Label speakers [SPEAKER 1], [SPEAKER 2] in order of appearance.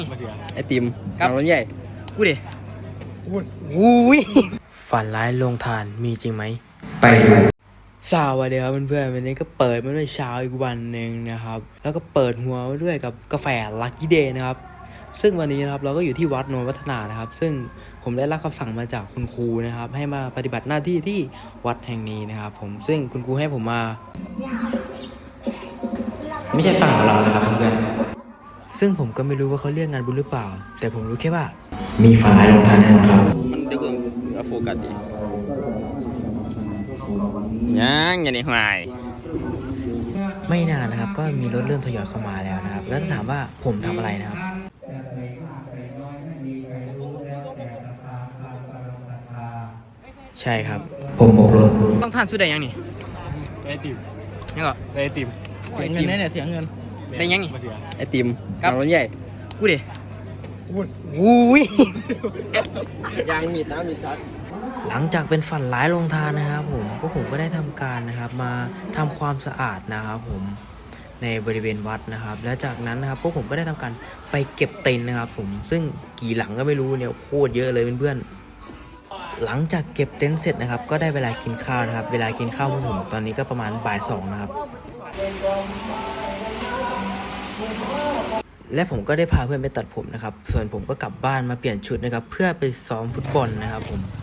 [SPEAKER 1] ไอติมครับรถใหญ่พูดดิอุ้ยฝันร้ายลงทานมีจริงไหมไปดูสวัสดีครับเพื่อนๆวันนี้ก็เปิดมาด้วยเช้าอีกวันหนึ่งนะครับแล้วก็เปิดหัวมาด้วยกับกาแฟลัคกี้เดย์นะครับซึ่งวันนี้นะครับเราก็อยู่ที่วัดโนนวัฒนานะครับซึ่งผมได้รับคำสั่งมาจากคุณครูนะครับให้มาปฏิบัติหน้าที่ที่วัดแห่งนี้นะครับผมซึ่งคุณครูให้ผมมาไม่ใช่ฝั่งเรานะครับเพื่อนๆซึ่งผมก็ไม่รู้ว่าเขาเรียกงานบุญหรือเปล่าแต่ผมรู้แค่ว่ามีฝันร้ายลงทานแน่นอนครับมันดึกแล้วโฟกัสดียังได้หายไม่นานนะครับก็มีรถเริ่มทยอยเข้ามาแล้วนะครับแล้วถามว่าผมทำอะไรนะครับใช่ครับผมโบกรถต้องทานสุดได้ยังนี่ไอติมยังก็ไอติมเสียเงินเนี่ยเสียเงินได้ยังนี่ไอติมครับรถใหญ่พูดดิอุ้ยยังมีน้ำมีซัสหลังจากเป็นฝันร้ายลงทานนะครับผมก็ได้ทำการนะครับมาทำความสะอาดนะครับผมในบริเวณวัดนะครับและจากนั้นนะครับพวกผมก็ได้ทำการไปเก็บเต็นท์นะครับผมซึ่งกี่หลังก็ไม่รู้เนี่ยโคตรเยอะเลยเพื่อนๆหลังจากเก็บเต็นท์เสร็จนะครับก็ได้เวลากินข้าวนะครับเวลากินข้าวพวกผมตอนนี้ก็ประมาณบ่าย 2นะครับและผมก็ได้พาเพื่อนไปตัดผมนะครับส่วนผมก็กลับบ้านมาเปลี่ยนชุดนะครับเพื่อไปซ้อมฟุตบอลนะครับผม